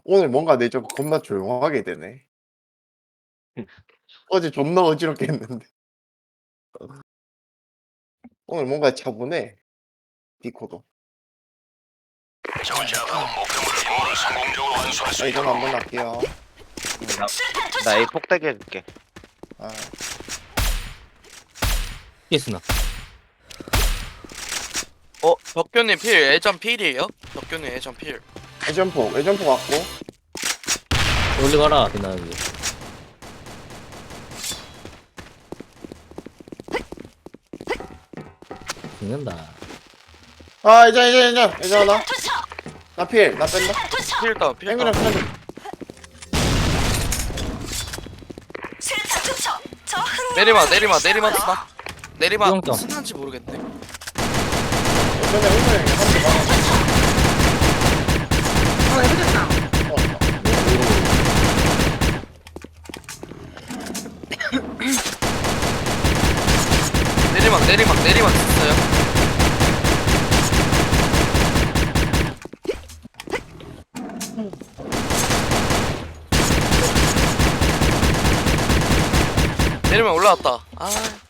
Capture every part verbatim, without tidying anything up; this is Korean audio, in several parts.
오늘 뭔가 내 좀 겁나 조용하게 되네. 어제 존나 어지럽게 했는데. 오늘 뭔가 차분해. 디코도. 적을 제압하고 목표물을 임무를 성공적으로 완수할 수 아, 이건 있도록. 한번 할게요. 나 A 폭대기 해줄게. 아, 피했으나. 어, 덕규님 필, 예전 필이에요? 덕규님 예전 필. 회전폭, 회전폭 갖고. 올리 가라, 비나 여기. 죽는다. 아, 이제, 이제, 이제, 이제 하나. 나 필, 나 뺀다. 필 다운, 필 앵그랑 다운. 필. 내리마, 내리마, 내리마 쓰나? 내리마 수영장. 쓰나인지 모르겠네. 예전에 앵그랑 한대 맞았어. 어, 해보겠다. 내리막, 내리막, 내리막 있어요. 내리막 올라왔다. 아,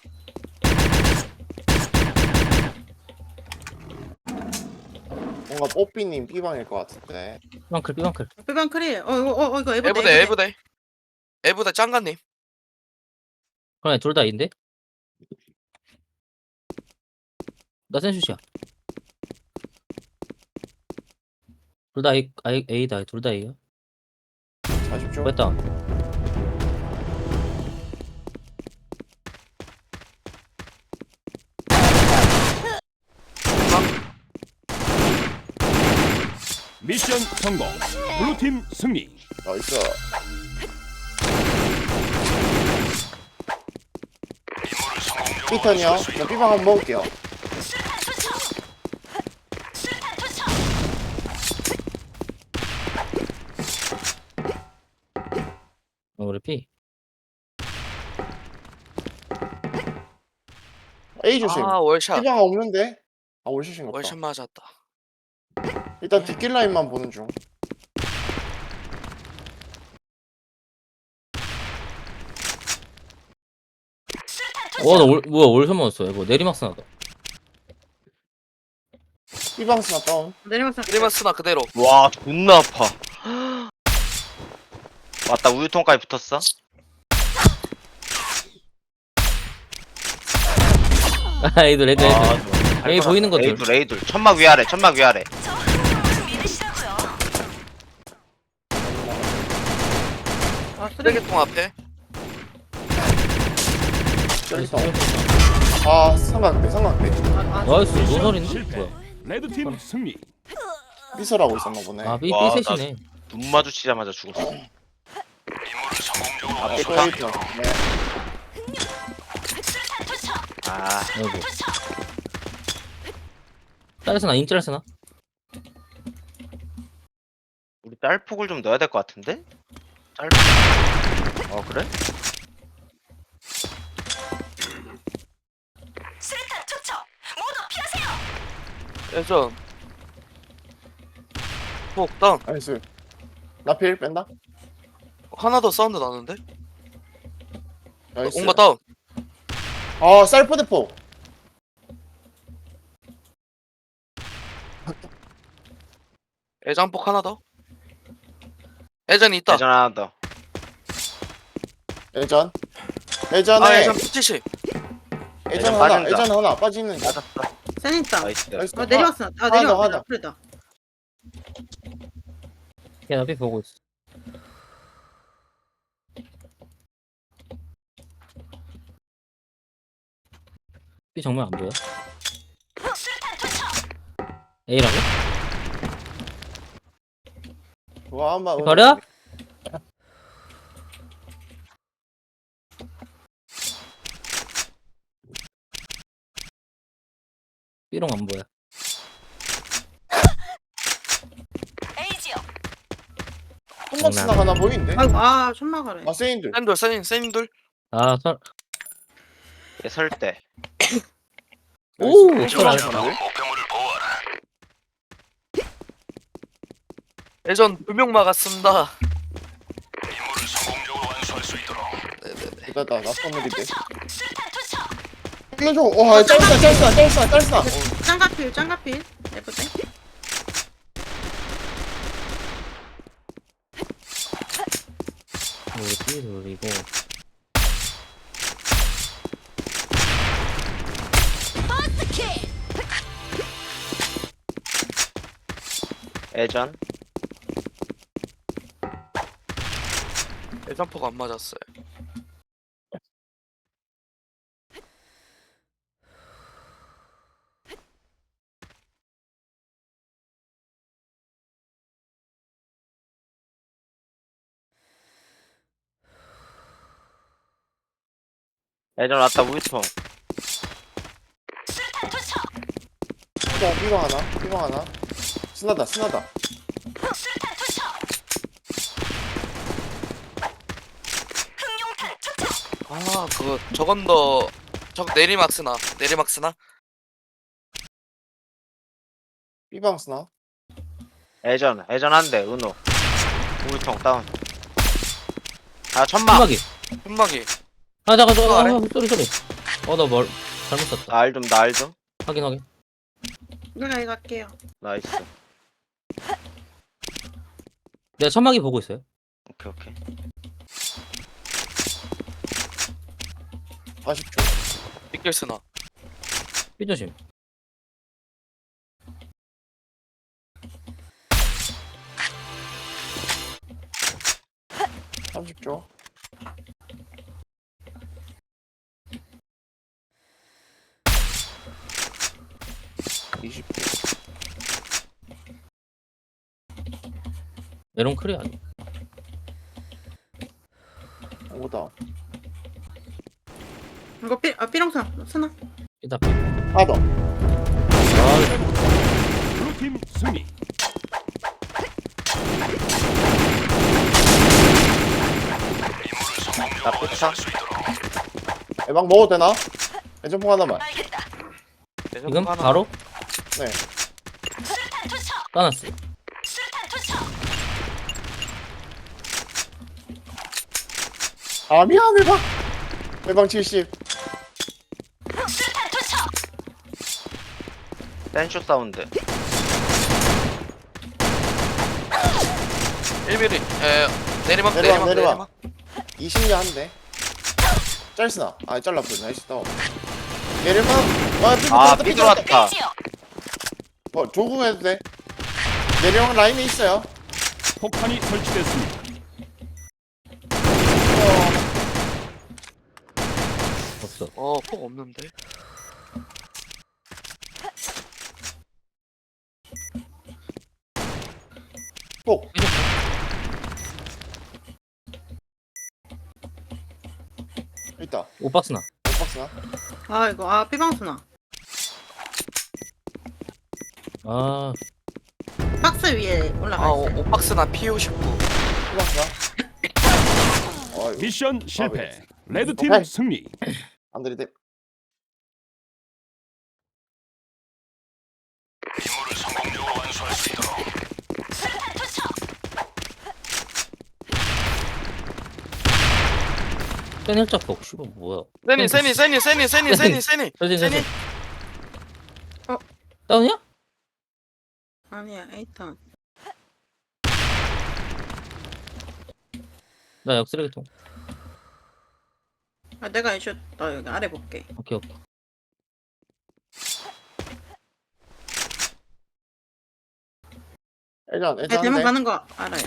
뭔가 뽀삐님 B방일 것 같은데. 삐방클, 삐방클. 삐방 크리. 어, 이거, 어, 어, 이거 에버데. 에브대, 에브대. 에브대 짱가님. 그래, 둘 다 A인데? 나 센슛이야. 둘 다 A, A, A다. 둘 다 A야. 사십 초. 됐다. 미션 성공. 블루팀 승리. 나이스. 임무를 성공적으로 피턴이요. 완수할 수 저 있도록. B방 한번 먹을게요. 어, 우리 B. A 조심. 아, 월샷. B방 없는데? 아, 월샷인 것 월샷 같다. 맞았다. 일단 뒷길 라인만 보는 중. 와, 나 올, 뭐야, 월샷 맞았어. 이거 내리막스 나다. B방 스나 다운. 내리막 사. 내리막 쓰나 그대로. 와 존나 아파. 맞다 우유통까지 붙었어. 아, A들, 애들, 애들. 아, A 보이는 것들. A둘 A둘 천막 위아래 천막 위아래. 아, 쓰레기. 쓰레기통 앞에. 쩔성. 아, 삼각대, 삼각대. 아, 아, 나이스, 미션 노설인데? 실패. 뭐야. 레드팀 승리. 삐설하고 있었나 보네. 아, B, 와, B 셋이네. 눈 마주치자마자 죽었어. 임무를 성공적으로 아, 앞에 또 가. A편. 네. 아 아이고. 딸스나, 인짤스나? 우리 짤폭을 좀 넣어야 될 것 같은데? 짤. 어 그래? 예전. 폭 다운. 나이스. 나 필 뺀다. 하나 더 사운드 나는데? 나이스. 온가 다운. 아, 쌀포대포. 애장폭 하나 더. 애전이 있다. 예전 하나 더. 예전. 예전에 아, 애전 칠십. 예전 예전 하나, 빠진다. 예전 하나 빠지는 거. 맞았어. 센 있다. 나이스. 나이스. 어, 내리막 사. 아, 하나 더, 내리막 하나 사. 더. 그래다. 야, 나 B 보고 있어. B 정말 안 보여? A라고? 와, 한번 가려? B롱 안 보여. 한번 쓰나 하나 보이는데? 아이고, 아, 천막하래. 아, 세인들. 센돌, 센, 센돌. 아, 설. 설 때. 오! 나이스. 설 안. 제압하고 목표물을 보호하라. 예전 두 명 막았습니다. 임무를 성공적으로 완수할 수 있도록. 네네네. 이거다 나 선물인데. 살려줘. 와 짤스나 짤스나 짤스나 짤스나. 짱가필 짱가필 예쁘대. 우리 삐 돌리고. 예전. 예전포가 안 맞았어요. 예전 왔다 우유통. 삐방 삐방 하나 삐방 하나. 스나다 스나다. 아 그거 저건 더 저 내리막 쓰나 내리막 쓰나? 삐방 스나. 예전 예전 한대 은호. 우유통 다운. 아 천막. 천막이. 현막이. 아 잠깐 잠깐. 아래? 아, 쏘리 쏘리. 어나 뭘 잘못 썼다. 날 좀 날 좀. 확인 확인. 내가 이거 할게요. 나이스. 내가 천막이 보고 있어요. 오케이 오케이. 사십 초. 빗길 쓰나? 삐 조심. 삼십 초. 이십 초. 메론 크리 아니. 오다. 이거 삐 아, 삐롱선 쓰나? 삐다. 하나 더. 아 블루팀 승리. 나 삐차. 애방 먹어도 되나? 애전폭 하나만. 지금 바로 네. 까놨어. 아 미안 애방. 애방 칠십. 댄쇼 사운드. 일 미리. 에 내리막 내려와, 내리막 내려와. 내리막. 이십 년 한대. 짤스나. 아 잘라 보여. 나이스 다운. 내려만. 아 삐 아 들어왔다, 삐 삐 들어왔다. 들어왔다. 어 조공해도 돼. 내려온 라인에 있어요. 폭탄이 설치됐습니다. 어. 없어. 어폭 없는데. 폭. 있다. 오박스나. 오박스나. 아 이거 아 삐방 쓰나? 아 박스 위에 올라가 아 있어요. 오- 오박스나 피 오십구. 오박스나. 어이 미션 실패. 레드팀 오케이. 승리. 안 들이대. 임무를 성공적으로 완수할 수 있도록. 센 헬작폭. 씨발 뭐야? 세니 세니 세니 세니 세니 세니 세니 서진 세니. 서진. 어. 다운이야? 아니야 에이턴. 나 역 쓰레기통. 아 내가 이슈 나 여기 아래 볼게. 오케이 오케이. 애전 내 애전 대문 한대. 가는 거 알아요.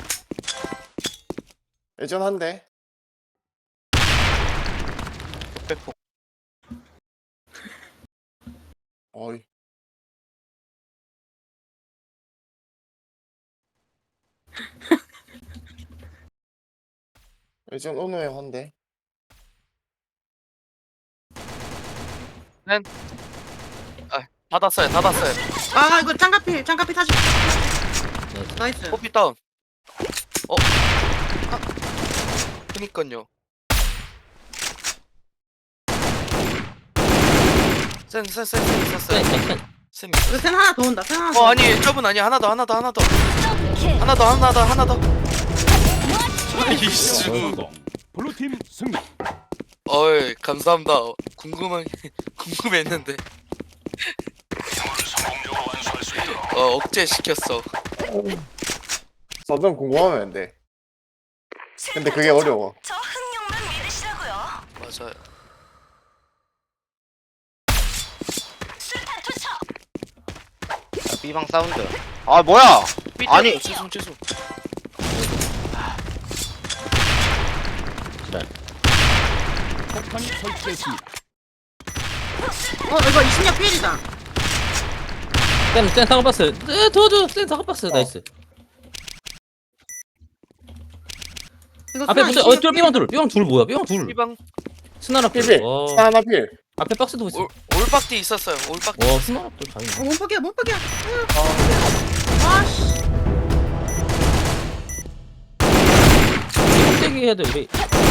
애전 한대. 백폭. 어이. 애전 오노에 한대. 닫았어요 닫았어요. 아 이거 짱가필 짱가필 사십. 나이스. 나이스. 호피 다운. 어. 아. 그니깐요. 센센센센센 센, 센, 센. 센. 이거 센 하나 더 온다. 센 하나 더. 어 아니 저분 아니 하나 더 하나 더 하나 더. 하나 더 하나 더 하나 더. 이수. 블루팀 승리. 어이 감사합니다. 궁금한 궁금했는데 임무를 성공적으로 완수할 수 있도록. 어 억제 시켰어. 서든 궁금하면 안 돼. 근데 그게 어려워. 저 흥룡만 믿으시라고요. 맞아요. 수류탄 투척. 야, B방 사운드. 아 뭐야? 아니. 죄송 죄송. 폭탄이 설치됐습니다. 어 이거 이십육 필이다. 센, 센 사과박스. 네, 도와줘. 센 사과박스. 나이스. 이거 앞에 수나 붙어. 어, 이십육 둘, 필. 삐방 둘. 삐방 둘 뭐야? 삐방 둘. B방 스나라 필. 필필. 와. 스나 하나 필. 앞에 박스도 있어. 올 올박디 있었어요. 올박디. 와, 스나라 또 다 어, 있네. 몸박이야 몸박이야. 아씨. 폭대기 해야 돼, 우리.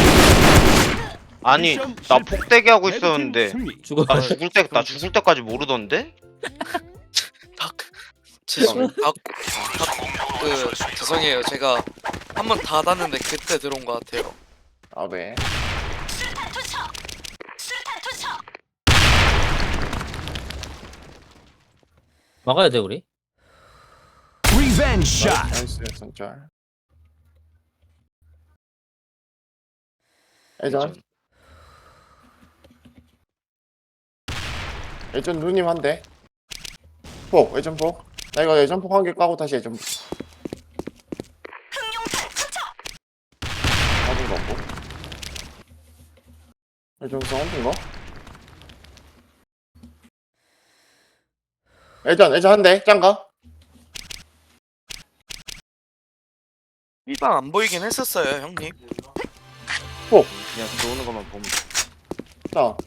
아니 미션 나 실패. 폭대기 하고 레드팀 있었는데 승리. 죽어. 나 죽을 때 나 죽을 때까지 모르던데? 닭. 죄송. 닭. 임무를 성공적으로 그 완수할 수 있도록. 죄송해요. 제가 한 번 닫았는데 그때 들어온 것 같아요. 아 네. 수류탄 투척. 수류탄 투척. 막아야 돼, 우리. 리벤지 샷. 나이스 선짤. 예전 예전 누님 한 대. 폭 예전 폭. 나 이거 예전 폭 한 개 까고 다시 예전 폭. 흥룡탄 투척. 맞은 거 없고. 예전 싸운 거? 예전 예전 한 대. 짱가. B방 안 보이긴 했었어요, 형님. 그냥 들어오는 것만 보면 돼. 자.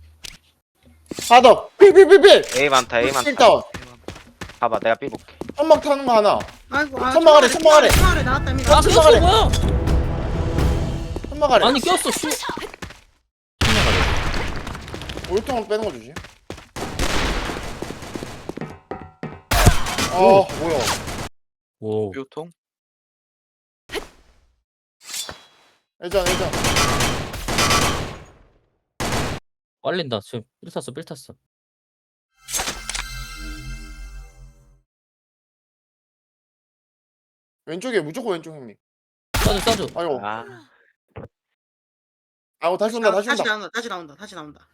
하더. 필필필필. A 많다 A 많다. 필다운. 봐봐 내가 B 볼게. 천막 타는 거 하나. 아이고 아, 천막 아래, 천막 아래. 천막 아래 나왔다 이미. 아, 나왔다. 꼈어, 꼈어, 뭐야? 천막 아래. 아니, 꼈어, 슈. 신나가래. 올통을 빼는 거 주지. 어 뭐야. 오. 묘통. 예전 예전. 빨린다. 지금 삘 탔어, 삘 탔어. 왼쪽에 무조건 왼쪽 형님. 싸줘, 싸줘. 아이고. 아 아이고 다시 온다 다시 다시 온다. 나온다. 다시 나온다. 다시 나온다.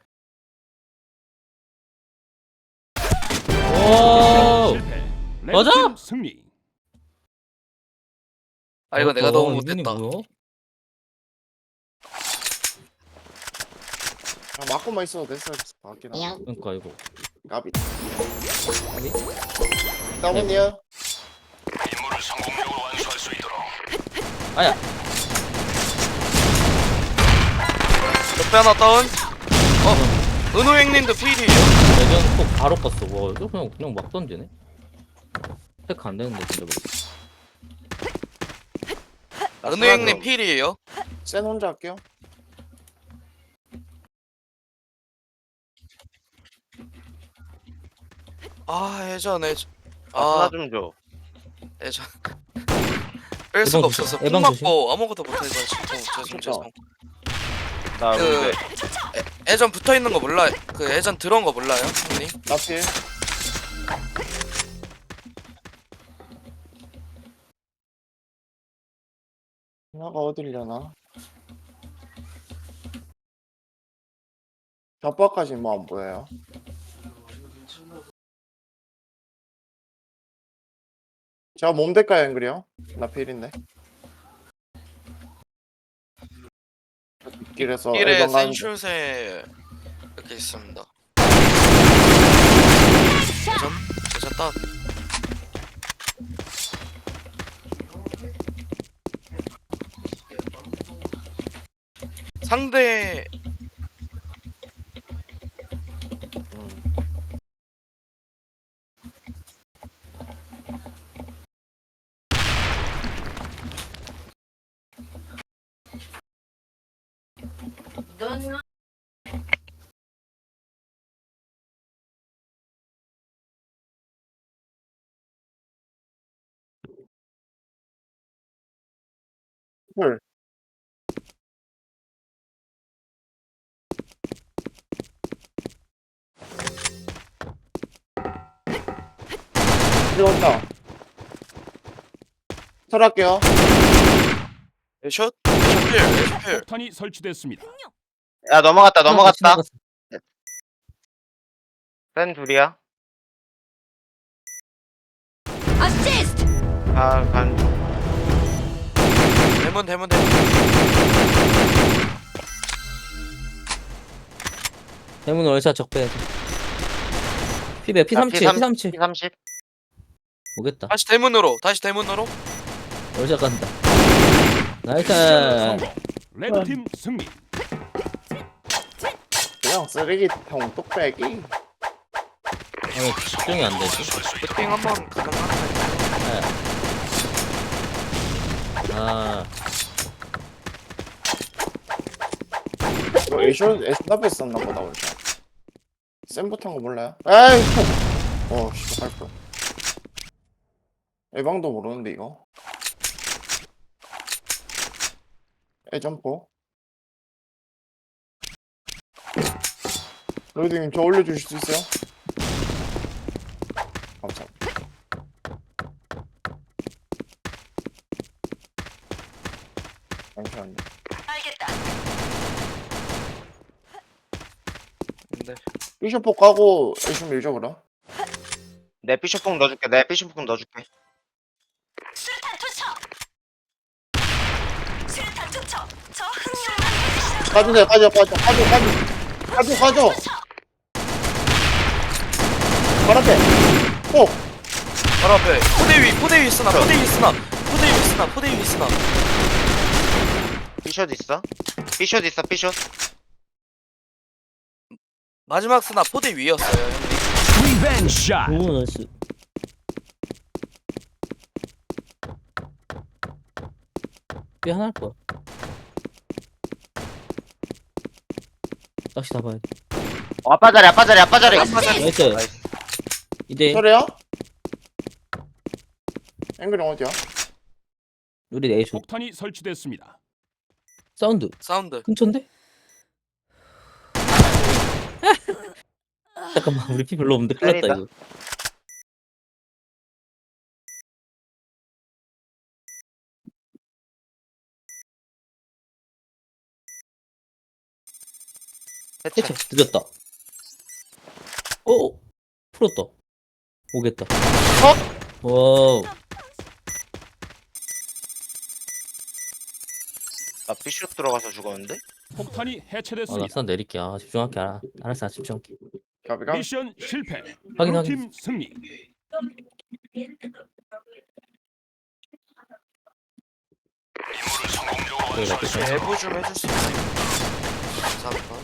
오. 실패. 맞아? 레드팀 승리. 아 이거 내가 너무 어, 이분이 못했다. 뭐야? 아, 맞고만 있어도 됐어. 맞긴 하. 그러니까 이거. 까비. 아니? 다운이요. 임무를 성공적으로 완수할 수 있도록. 아야. 옆에 하나 다운. 어, 은호 형님도 필이에요. 예전 꼭 바로 껐어. 와, 이거 그냥 그냥 막 던지네. 체크 안 되는데 진짜 모르겠어. 은호 형님 필이에요. 센 혼자 할게요. 아 예전에 아, 아 하나 좀 줘. 예전 뺄 수가 에방 조심, 없어서 에방 폭 조심. 맞고 아무것도 못해서 죄송 죄송 진짜. 죄송. 나 그 근데 애- 예전 붙어 있는 거 몰라. 그 예전 들어온 거 몰라요, 형님? 나필. 나가 어딜려나? 벽박까지 뭐 안 보여요. 제가 몸 대가요 앵그리요? 나 필인데. 길에서 길에 앨범 가는데. 센슛에 이렇게 있습니다. 예전 예전 딱 상대 헐. 들어온다. 설할게요. 애슛? 애슛필 애슛필. 폭탄이 설치됐습니다. 야 넘어갔다 넘어갔다. 지나갔어. 센 둘이야. 어시스트. 아간 대문 대문 대문. 대문 월샷 적배. 피백 피 삼칠 피 삼칠 피 삼십. 오겠다. 다시 대문으로 다시 대문으로. 월샷 간다. 나이스. 미션 성공. 레드팀 승리. 그냥 쓰레기통 뚝배기. 아, 집중이 안 되지. 쇼핑 한번 가능한가요? 아, 이거 에이쇼 에이쇼 앞에 썼나 보다 원래. 쌤부터인 거 몰라요? 에이. 어, 씨, 할 거. 에방도 모르는데 이거. 에점포. 로이드님 저 올려주실 수 있어요? 감사합니다. 잠시만요. 알겠다. 근데 비숍포 까고 에이쇼 밀죠 그럼? 내 피쇼폭 넣어줄게. 내 피쇼폭 넣어줄게. 수류탄 투척. 수류탄 투척. 저 흥룡만 믿으시라고요. 가져 돼 가져 가져 가져 가져 가져 가져 투척. 발 앞에 꼭 바로 앞에 포대 위 포대 위 쓰나 포대 위 쓰나 포대 위 쓰나 포대 위 쓰나. 피숏 있어? 피숏 있어 피숏. 마지막 쓰나 포대 위였어요 형님. 리벤지 샷. 오, 나이스. 삐 하나 할 거야. 다시 다 봐야 돼. 어, 아빠 자리 아빠 자리 아빠 자리. 나이스. 나이스. 이제 저래요? 앵글이 어디야? 우리 에이쇼 폭탄이 설치됐습니다. 사운드 사운드. 근처인데? 잠깐만, 우리 피 별로 없는데 큰일 났다 때리다. 이거. 해체. 해체 늦었다. 오, 풀었다. 오겠다. 와우. 나 피숏 들어가서 죽었는데? 폭탄이 아, 나 해체됐습니다. 선 내릴게. 아, 집중할게. 알아. 알았어, 나 집중할게. 가비가 미션 실패. 확인, 블루팀 승리. 임무를 성공적으로 그래, 나 완수할 수 끝이야. 내부 좀 해줄 수 있나요? 감사합니다.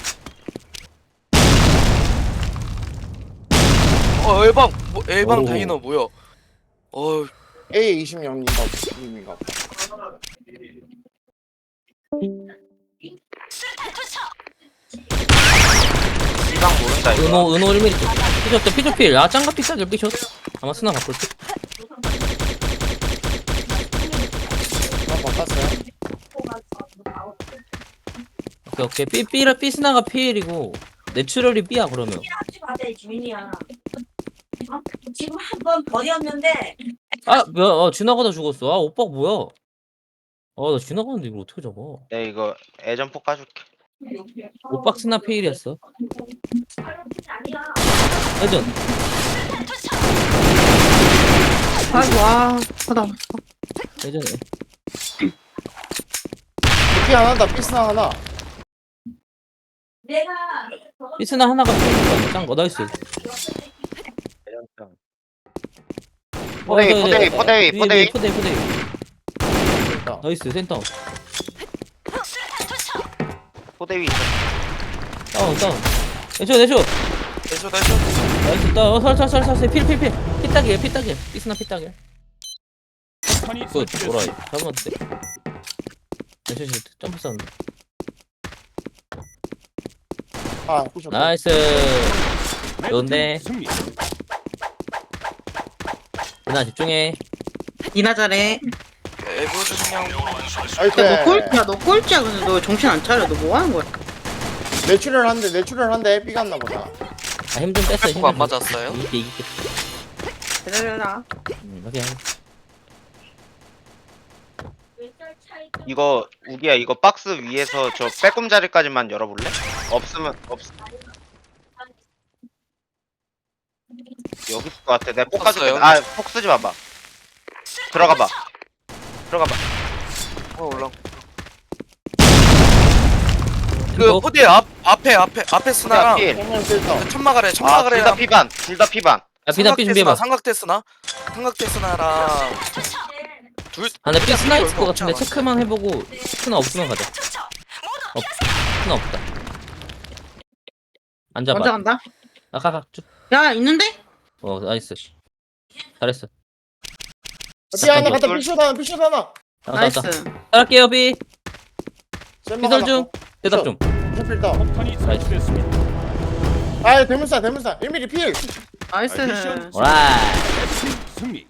어 엘방 뭐 엘방 오. 다이너 뭐야? 어 에이 이십영인가 님인가 보다. 수류탄 투척. 이방 모른다 이거. 은호, 은호 일 밀리мет터. 피셔 또 피셔필. 아, 짱가 피싸길 피셔. 아마 스나 바꿀 듯. 나 바꿨어요. 오케이, 오케이. 삐, 삐라, 삐스나가 피일이고, 내추럴이 삐야, 그러면. 하지 마세요, 주민이야. 어? 지금 한 번 버렸는데 아, 뭐야, 어, 지나가다 죽었어. 아, 오빠 뭐야? 아, 나 지나가는데 이걸 어떻게 잡아? 내 이거 애전폭 까줄게. 오빠 스나 피일이었어. 아니야. 회전. 투척. 아이고, 아, 하다. 회전에. 피 하나다 피스나 하나. 내가 삐스나 하나가 피일이니까, 짱거. 나이스. 애전폭. 어, 포대위, 저기, 포대위, 저기, 포대위, 위에, 포대위. 위에, 포대위, 포대위. 됐다. 나이스, 센터. 수류탄 투척. 포대 위 있어. 다운, 다운. 내쇼, 내쇼. 대쇼 대쇼. 나이스, 다운. 어, 설, 설, 설, 설. 필, 필, 필. 피딱이야, 피딱이야. 삐스나 피딱이야. 폭탄이 굿, 오라이. 설치됐습니다. 잡았대. 내쇼, 씨, 점프 사운드. 아 부셔. 나이스. 좋은데. 레드팀 승리. 누나 집중해. 이나 잘해. 내부 중량. 아이고. 너 꼴찌야 너 꼴찌야. 근데 너 정신 안 차려. 너 뭐 하는 거야? 내추럴 한대 내추럴 한대 삐 갔나 보다. 아, 힘 좀 뺐어. 템포가 안 맞았어요? 이게 이게. 기다려라. 음, 확인. 이거 우리야 이거 박스 위에서 저 빼꼼자리까지만 열어볼래? 없으면 없. 여기 있을 것 같아. 내가 폭 가줄게. 없어요. 아폭 쓰지 마봐. 들어가봐. 들어가봐. 어 올라. 그 포디 앞 앞에 앞에 앞에 야, 스나랑 필. 정면 필터. 천막아래 아, 둘 천막아래. 다 피반. 둘 다 피반. 야, 비단 삐 준비해봐. 삼각대스나 삼각대스나랑 둘. 아, 근데 삐 스나 있을 것 얼마 같은데 없지 체크만 해보고 스나 없으면 가자. 없, 스나 없다. 앉아봐. 먼저 간다. 아, 가, 가. 쭉. 야 있는데? 어, 나이스. 잘했어. 삐 하나 갔다 삐쇼 하나 삐쇼 하나. 나왔다, 나이스. 나왔다. 따랄게요, 비. 피설 중. 대답 좀. 삐쇼 필터. 폭탄이 설치됐습니다. 아 대문사 대문사 일 미리 필. 나이스. 미션 오라이. 레드팀 승리.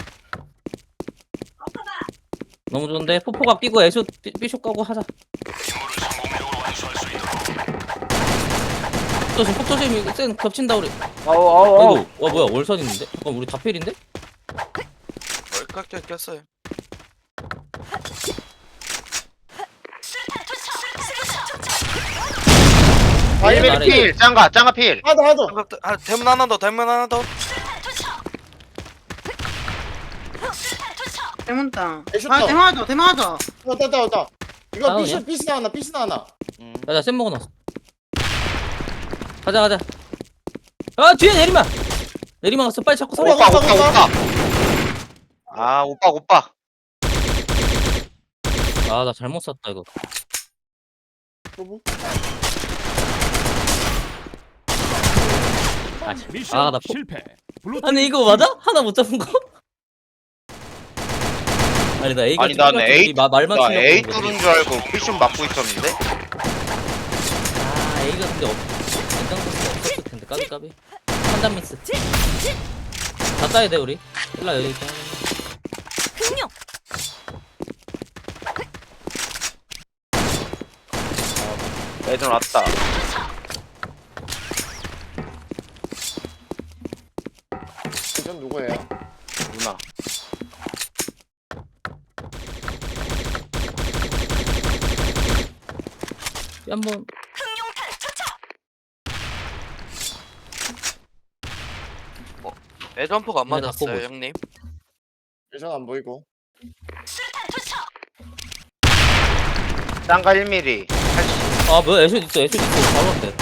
너무 좋은데? 포포가 끼고 애쇼, 삐- 삐쇼 까고 하자. 임무를 성공적으로 완수할 수 있도록. 조심, 폭 조심. 이거 쌩 겹친다, 우리. 어우 어우 어우. 아이고, 와, 뭐야, 월선 있는데? 잠깐, 우리 다 필인데? 깎여 꼈어요. 아 일 일 미리 미리 필. 필. 짱가 짱가 필. 하나 하나. 삼각대 아 대문 하나 더 대문 하나 더. 대문다. 애쇼 아 떠. 대마하자 대마하자. 왔다 왔다 왔다. 이거 다운이야? 삐쇼 삐스나 하나 삐스나 하나. 음. 가자, 쌤 먹어놨어. 가자, 가자. 아, 뒤에 내리막! 내리막 왔어. 빨리 잡고 서래. 오빠 오빠 오빠. 아 오빠 오빠. 아, 나 잘못 샀다, 이거. 또뭐 아, 미션 아, 나 포... 실패. 블루팀 아니, 이거 맞아? 하나 못 잡은 거? 아니, 나 A가 아니 나는 A 마, 말만 나 치려고 A 그런 거지. 뚫은 줄 알고 피션 맞고 있었는데. 아, A가 근데 없... 냉장고에 없었을 텐데, 까비, 까비. 판단 미스. 다 따야 돼, 우리. 일라, 여기 있다. 흥룡 애들 왔다. 전 누구예요? 누나. 삐 한번. 흥룡탄 투척 애점프가 안 얘네 다 맞았어요 뽑으시. 형님. 예전 안 보이고. 수류탄 투척 짱가 일 미리. 아, 뭐야, 애쇼 있어, 애쇼 있어. 바로 왔대.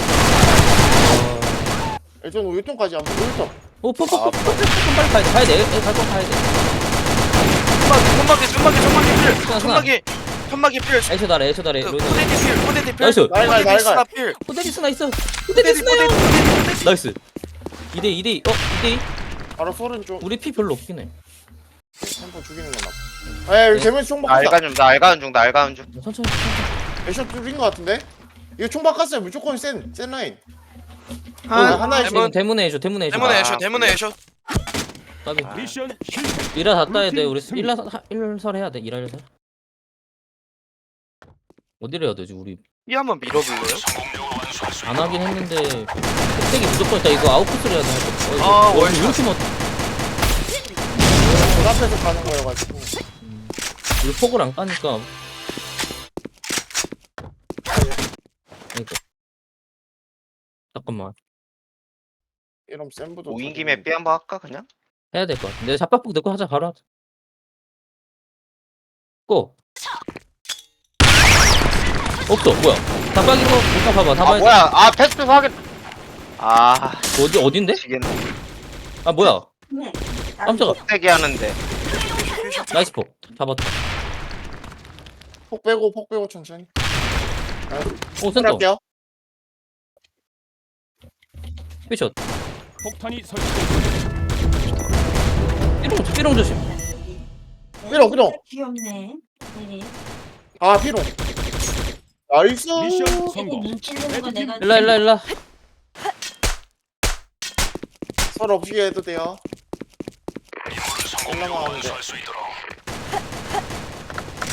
예전 우유통까지 안 보이고 우유통. 오, 포포, 포포, 포포, 빨리 가야 돼. 가야 돼. 애, 갈거 가야 돼. 천막이 천막이 천막이 필. 스나, 스나. 천막이 천막이 필. 애쇼 나래, 애쇼 나래. 그 로이드. 포데디 필. 포데디 필. 나이스. 날갈, 포데디 날갈. 스나 필. 호데리스나 있어. 포데디 호데리스나요. 포데디 포데디. 나이스. 이 대 이 대 이. 어, 이 대 이. 바로 소른 쪽. 우리 피 별로 없긴 해. 템포 죽이는 거나. 아 여기 대문 총 나 바꿨다. 알가 좀 나 알가는 중 나 알가는 중. 천천히, 천천히. 애쇼 뚫린 거 같은데? 이거 총 바꿨어요. 무조건 센, 센 라인. 아 하나에 대문. 지금 대문에 해줘, 대문에 해줘. 대문에 아, 애쇼 대문에 그래. 애쇼. 까비. 미션 실패. 일화 다 따야 돼. 블루팀 우리 승리. 일화 사- 일설 해야 돼. 일화 일설. 어디를 해야 되지? 우리 이 한번 밀어볼래요? 성공적으로 완수할 수 안 있도록. 하긴 했는데 흑색이 무조건 있다. 이거 아웃코스를 해야 돼. 어, 이거 아, 어, 월샷. 이렇게 못. 문 앞에서 가는 거여가지고. 음, 우리 폭을 안 까니까. 그러니까. 잠깐만. 이러면 센부도. 오인 김에 삐 한번 할까 그냥? 해야 될 것 같아. 내가 잡박폭 넣고 하자. 바로 하자. 고. 없어. 뭐야? 잡박이고 일단 봐봐. 다 아 봐야 돼. 뭐야? 아 패스 확인. 아 어디 어딘데? 지금 아 뭐야? 네. 깜짝아. 세게 하는데. 나이스 폭. 잡았다. 폭 빼고 폭 빼고 천천히. 오 센터. 할게요. 피숏. 폭탄이 설치됐습니다. 삐롱 삐롱 조심. 삐롱, 삐롱. 귀엽네. 네. 아 피롱. 나이스. 미션 되게 성공. 눈치 보는 거 내가 일라 일라 일라. 서로 없이 해도 돼요. 임무를 성공적으로 올라가는데. 완수할 수 있도록.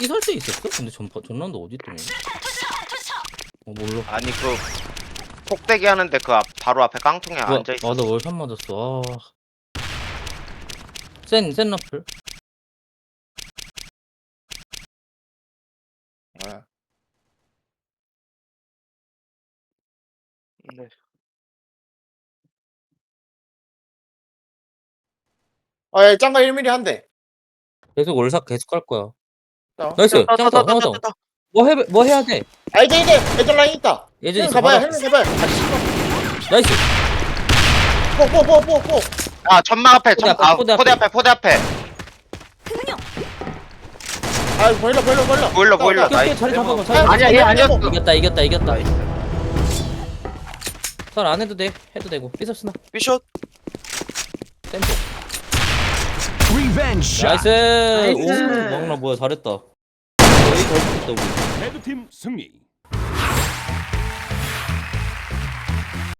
삐설 때 있었어? 근데 전 전라운드 어디 있더니? 어 몰라. 아니 그 폭대기 하는데 그 앞, 바로 앞에 깡통에 앉아 있어. 아나 월샷 맞았어. 아. 센센 라플. 네. 네. 아, 예, 짱가 일 밀리미터 한 대. 계속 월샷 계속 갈 거야. 어. 나이스. 떴다, 짱다 떴다, 하나 더. 떴다. 뭐 해 뭐 해야 돼? 아, 이제 이제 애들 라인 있다. 예전 헬멧 있어. 가봐요. 봐봐. 헬멧 가봐요. 아, 씨발. 나이스. 뽀뽀뽀뽀뽀. 아 전막 앞에 포대 전, 앞에, 아, 포대 포대 앞에. 앞에 포대 앞에 흥룡. 아, 보일러 보일러 보일러. 보일러 보일러. 오케이, 오케이, 나이스. 자리 잡아봐. 자리 아, 잡아봐. 아니야 얘 아니었어. 이겼다 이겼다 이겼다. 나이스. 잘 안 해도 돼. 해도 되고. 삐섭스나. 삐숏. 템포. 리벤지 샷. 나이스. 나이스. 오, 막나 뭐야 잘했다. 여기 잘 붙었다 우리. 레드팀 승리.